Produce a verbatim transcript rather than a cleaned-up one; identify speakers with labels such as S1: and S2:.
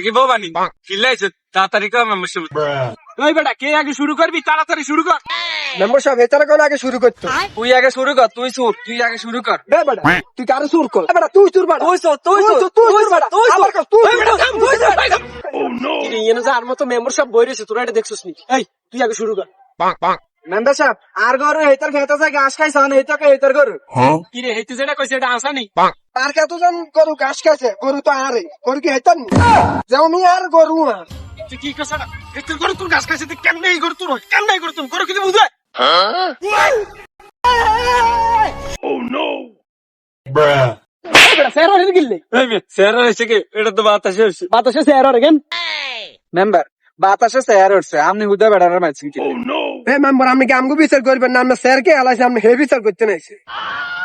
S1: কি বউ বানি চিল্লাইছে তাড়াতাড়ি কর মেম্বারশিপ ওই বেটা কে আগে শুরু করবি তাড়াতাড়ি শুরু কর
S2: মেম্বারশিপ ভেতরে কোন আগে শুরু করতো
S1: তুই আগে শুরু কর তুই সুর তুই আগে শুরু কর
S2: বে বেটা তুই কারে সুর কর বেটা তুই সুর বেটা
S1: তুই সুর তুই সুর
S2: তুই সুর বেটা
S1: তুই
S2: আবার কর তুই
S1: তুই
S2: তুই সুর
S1: কি রে এনে যার মতো মেম্বারশিপ বই রইছে তোরা এটা দেখছস নি এই তুই আগে শুরু কর
S2: মেম্বারশিপ আর গরু হেতর খেতেছে ঘাস খাইছ না হেতকে হেতর গরু
S1: কি রে হেতে যেটা কইছে এটা আসানি
S2: তার কতজন গরু ঘাস খাইছে গরু তো আরে গরু কি হেতর নি যাও মি আর গরু আর
S1: তুই কি কইছ না একটু করে তোর গাছ খাইছে তুই কেমনে এই কর তোর কেমনে এই কর তোর করো কিছু বুঝে
S2: স্যার আর গিললে
S1: এই মে স্যার হইছে কি এটা তো বাতাসে হইছে
S2: বাতাসে স্যার আর গেন মেম্বার বাতাসে স্যার হচ্ছে আপনি হুদা বেড়ার মাঝখানে এ মেম্বার আপনি কি আমগো বিচার করবেন না আমরা স্যারকে আলাইছে আপনি হে বিচার করতে নাইছে